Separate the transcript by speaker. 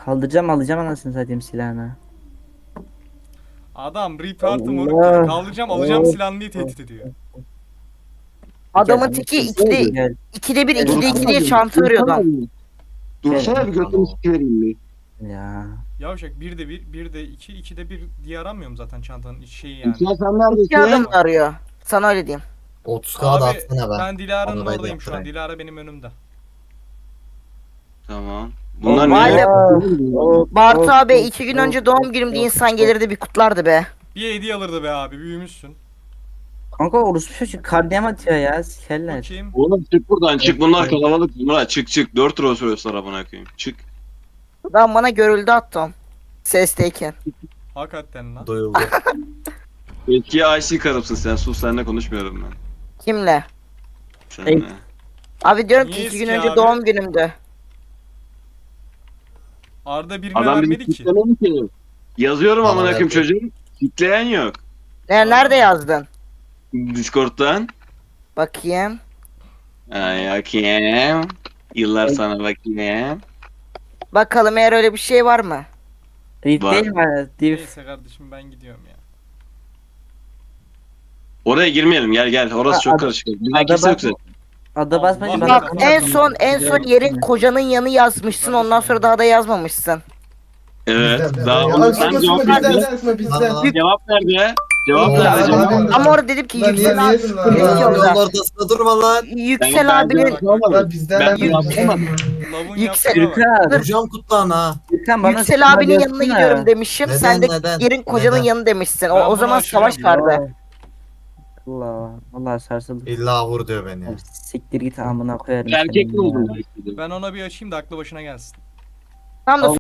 Speaker 1: Kaldıracağım alacağım anasını satayım silahını.
Speaker 2: Adam report'ı moruk
Speaker 1: Allah.
Speaker 2: ya. Kaldıracağım alacağım
Speaker 1: Oh.
Speaker 2: silahını diye tehdit ediyor.
Speaker 1: Gel,
Speaker 3: Adamın teki
Speaker 1: gel,
Speaker 3: ikide bir
Speaker 1: Gel,
Speaker 3: ikide iki
Speaker 1: Dursana
Speaker 3: diye çanta arıyordu.
Speaker 4: Dursana bir götümü sikivereyim bir.
Speaker 1: ya.
Speaker 2: Yavşak 1'de 1, 1'de 2, 2'de 1 diye aramıyorum zaten çantanın şeyi yani.
Speaker 4: İsmail sen
Speaker 3: İki adam
Speaker 4: neredesin?
Speaker 3: arıyor. Sana öyle diyeyim.
Speaker 5: 30k da
Speaker 2: Abi
Speaker 5: atsana be.
Speaker 2: ben Dilara'nın
Speaker 5: Onu da
Speaker 2: oradayım şu an.
Speaker 5: yaptırayım.
Speaker 2: Dilara benim önümde.
Speaker 4: Tamam. Bunlar
Speaker 3: Vay
Speaker 4: niye?
Speaker 3: be.
Speaker 1: Oh,
Speaker 3: Bartu
Speaker 1: oh,
Speaker 3: abi
Speaker 1: oh,
Speaker 3: 2 gün
Speaker 1: oh,
Speaker 3: önce doğum
Speaker 1: oh,
Speaker 3: günümde
Speaker 1: oh,
Speaker 3: insan
Speaker 1: oh.
Speaker 3: gelirdi bir kutlardı be.
Speaker 2: Bir hediye alırdı be abi büyümüşsün.
Speaker 1: Kanka orospu çocuk kardiyem atıyor ya sikerler.
Speaker 2: Bakayım.
Speaker 4: Oğlum çık buradan çık, bunlar kalabalık. Murat çık çık. 4 lira söylüyorsun arabana koyayım. Çık.
Speaker 3: Ben bana görüldü attım. Sesteyken.
Speaker 2: Hakikaten lan.
Speaker 5: Duyuldu.
Speaker 4: Eski IC karımsın sen, sus, seninle konuşmuyorum ben.
Speaker 3: Kimle?
Speaker 4: Seninle.
Speaker 3: Abi diyorum ki
Speaker 2: Niye
Speaker 3: 2 gün
Speaker 2: eski
Speaker 3: önce
Speaker 2: abi?
Speaker 3: doğum günümdü.
Speaker 2: Arda birine
Speaker 4: Adam bizi
Speaker 2: vermedi ki.
Speaker 4: kitlemedi ki. Yazıyorum
Speaker 5: Bana
Speaker 4: amına koyayım
Speaker 5: verdi.
Speaker 4: çocuğum. Kitleyen yok.
Speaker 3: Nerede yazdın?
Speaker 4: Discord'dan.
Speaker 3: Bakayım.
Speaker 4: Ay bakayım. Yıllar sana bakayım.
Speaker 3: Bakalım eğer öyle bir şey var mı?
Speaker 1: Rift
Speaker 4: Var.
Speaker 1: değil mi? Div.
Speaker 2: Neyse kardeşim ben gidiyorum ya.
Speaker 4: Oraya girmeyelim, gel gel. Orası çok
Speaker 1: Ada-
Speaker 4: karışık. Bizden
Speaker 1: Ada
Speaker 4: kimse yok
Speaker 1: bak-
Speaker 4: zaten.
Speaker 1: Ada basmayınca
Speaker 2: Allah
Speaker 1: bana
Speaker 2: Allah.
Speaker 3: Bak
Speaker 1: kanka
Speaker 3: en son yerin kocanın yanı yazmışsın ondan sonra daha da yazmamışsın.
Speaker 4: Evet.
Speaker 6: Bizden,
Speaker 4: Daha
Speaker 6: bizden.
Speaker 4: onu
Speaker 6: Ya,
Speaker 4: sen
Speaker 6: sıkma,
Speaker 4: cevap
Speaker 6: sıkma,
Speaker 4: verdin.
Speaker 6: bizden, sıkma, bizden.
Speaker 5: Lan,
Speaker 4: Cevap nerede? Cevap
Speaker 5: Oğlum,
Speaker 4: nerede?
Speaker 5: abi,
Speaker 4: Cevap.
Speaker 6: abi.
Speaker 3: Ama orada dedim ki
Speaker 6: Lan niye
Speaker 3: Yüksel abi.
Speaker 6: diyorsun lan?
Speaker 3: Yüksel
Speaker 5: Yolun
Speaker 3: abi.
Speaker 5: ortasında durma lan.
Speaker 3: Yüksel
Speaker 4: Ben
Speaker 3: abinin
Speaker 2: Bak, bak, bak.
Speaker 6: Lan bizden.
Speaker 4: Ben
Speaker 6: bizden.
Speaker 4: yapamadım.
Speaker 2: Lavun
Speaker 3: Yüksel-
Speaker 2: yaptığına bak.
Speaker 1: Gürkan.
Speaker 5: Vuracağım kutlağına ha.
Speaker 1: Gürkan bana
Speaker 3: Yüksel
Speaker 1: sıkma
Speaker 3: abinin yanına
Speaker 1: diyorsun
Speaker 3: gidiyorum
Speaker 1: ha.
Speaker 3: demişim.
Speaker 5: Neden,
Speaker 3: Sen de
Speaker 5: neden?
Speaker 3: yerin kocanın
Speaker 5: Neden?
Speaker 3: yanı demişsin.
Speaker 2: Ben
Speaker 3: O
Speaker 2: bunu
Speaker 3: zaman savaş
Speaker 2: aşırıyorum
Speaker 3: vardı.
Speaker 1: Allah. Allah sarsıldı.
Speaker 5: İlla vur diyor beni ya.
Speaker 1: Abi, siktir git amına koyarım.
Speaker 4: Erkek
Speaker 1: seni
Speaker 4: mi oldun?
Speaker 1: ya.
Speaker 2: Ben ona bir açayım da aklı başına gelsin.
Speaker 3: Tam da